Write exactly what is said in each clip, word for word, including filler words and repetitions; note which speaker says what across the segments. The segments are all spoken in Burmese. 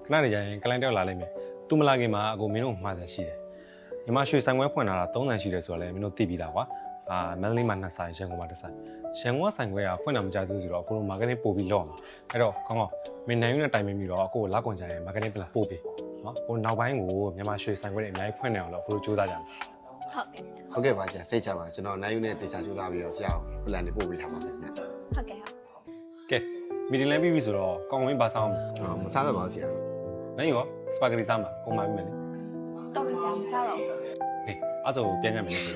Speaker 1: ခဏနေကြရင်ကလိုင်းတောက်လာလိုက်မယ်သူမလာခင်မှာအကိုမင်းတို့မှားစရာရှိတယ်ညီမရွှေဆိုင်ခွဲဖွင့်လာတာသုံးဆန်ရှိတယ်ဆိုတော့လည်းမင်းတို့သိပြီးသားကွာအာမန္တလေးမှာနှစ်ဆိုင်ရန်ကုန်မှာတစ်ဆိုင်ရန်ကုန်ဆိုင်ခွဲကဖွင့်တာမကြသေးဘူးဆိုတော့အကိုတို့ marketing ပို့ပြီးလောက်အောင်အဲ့တော့ကောင်းကောင်းမင်းနိုင်ယူနဲ့တိုင်ပင်ပြီးတော့အကိုကိုလောက်ကုန်ကြရင် marketing plan ပို့ပြီးနော်ဟိုနောက်ပိုင်းကိုမြန်မာရွှေဆိုင်ခွဲတွေအများကြီးဖွင့်နေအောင်လို့အကိုတို့စူးစမ်းကြမယ်
Speaker 2: ဟုတ်ကဲ့ဟုတ်ကဲ့ပါဆရာစိတ်ချပါကျွန်တော်နိုင်ယူနဲ့တေချာစူးစမ်းပြီးတော့ဆရာကို plan တွေပို့ပေးထားပါမယ်ဗျ
Speaker 3: ဟုတ်ကဲ့ဟုတ်
Speaker 1: ကဲမီတင်လည်းပြီးပြီဆိုတော့ကောင်းဝင်းပါဆောင်
Speaker 2: ဟောမစားတော့ပါဘူးဆရာ
Speaker 1: နိုင်ရောစပါဂက်တီစားမှာကုန်ပါပြီမယ်လေ
Speaker 3: တော့ပြီဆရာမစားတော့ဘူး
Speaker 1: ဟေးအဲ့ဆိုပြန်ကြမယ်လေ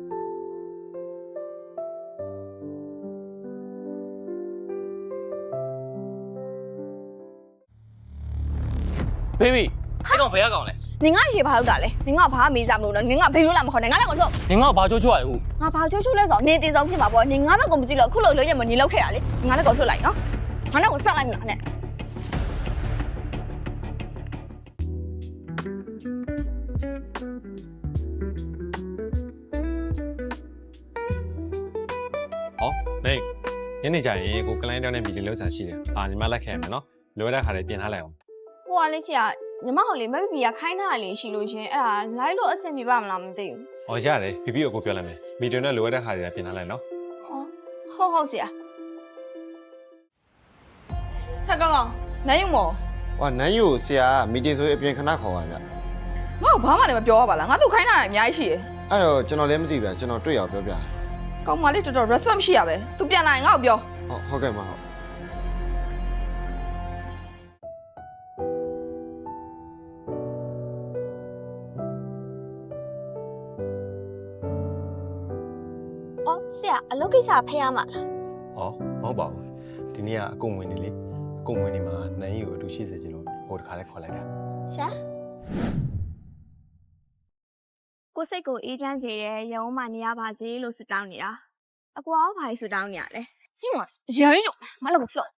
Speaker 4: ဘေဘီအဲ့ကောင်ဘယ်ကကောင်လဲ
Speaker 3: နင်ကရေဘာလုပ်တာလဲနင်ကဘာမေးစားမလို့နော်နင်ကဘေးလို့လာမခေါ်နဲ့ငါလည်းကိုလို့
Speaker 4: နင်ကဘာချိုးချိုးရလဲဟုတ်
Speaker 3: ငါဘာချိုးချိုးလဲဆိုတော့နင်တင်ဆောင်ဖြစ်မှာပေါ့နင်ငါဘက်ကိုမကြည့်လို့ခုလို့လို့ရမနင်လောက်ခဲ့ရလေငါလည်းကိုထွက်လိုက်နော်ငါလည်းကိုဆက်လိုက်မှာနဲ့
Speaker 1: ဟောနေညနေကျရင်ကိုကလိုင်းတောင်းနဲ့မီတင်လောက်ဆန်ရှိတယ်အာညီမလက်ခံရမယ်နော်လိုရတဲ့ခါလေးပြင်ထားလိုက်အောင်
Speaker 3: ဟိုကလေးဆရာညီမဟိုလေမဘီဘီကခိုင်းထားတာလေးရှိလို့ရှင်အဲ့ဒါလိုက်လို့အဆင်ပြေပါမလားမသိဘူး
Speaker 1: ဟောရတယ်ဘီဘီကိုကိုပြောလိုက်မယ်မီတင်နဲ့လိုရတဲ့ခါလေးပြင်ထားလိုက်နော်
Speaker 3: ဟောဟုတ်ဟုတ်ဆရာ
Speaker 5: ဟဲ့ကောင်ကောင်နိုင်ယူမော်
Speaker 2: ဟောနိုင်ယူဆရာမီတင်ဆိုအပြင်ခဏခေါ်ပါဗျ
Speaker 5: ငါ့ကိုဘာမှလည်းမပြောရပါလားငါတို့ခိုင်းတာအများကြီးရှိတယ်
Speaker 2: အဲ့တော့ကျွန်တော်လည်းမသိဗျကျွန်တော်တွေ့ရအောင်ပြောပြတယ်
Speaker 5: ကောင်မလေးတော်တော် respect မရှိရပဲ तू ပြန်လာရင်ငါ့ကိုပြော
Speaker 2: ဟုတ်ဟုတ်ကဲ့မဟုတ်
Speaker 3: အော်ဆရာအလုပ်ကိစ္စဖះရမှာလား
Speaker 1: ဟောမဟုတ်ပါဘူးဒီနေ့ကအကုန်ဝင်နေလေအကုန်ဝင်နေမှာနိုင်ရီကိုအတူရှိစေချင်လို့ဟိုတခါလေးခေါ်လိုက်တာ
Speaker 3: ရှာကိုစိတ်ကိုအေးချမ်းစေတဲ့ရုံးမှနေရပါစေလို့ဆုတောင်းနေတာအကွာဘာလို့ဆုတောင်းနေရလဲဒီမှာရမ်းရုံမလုပ်ဘူး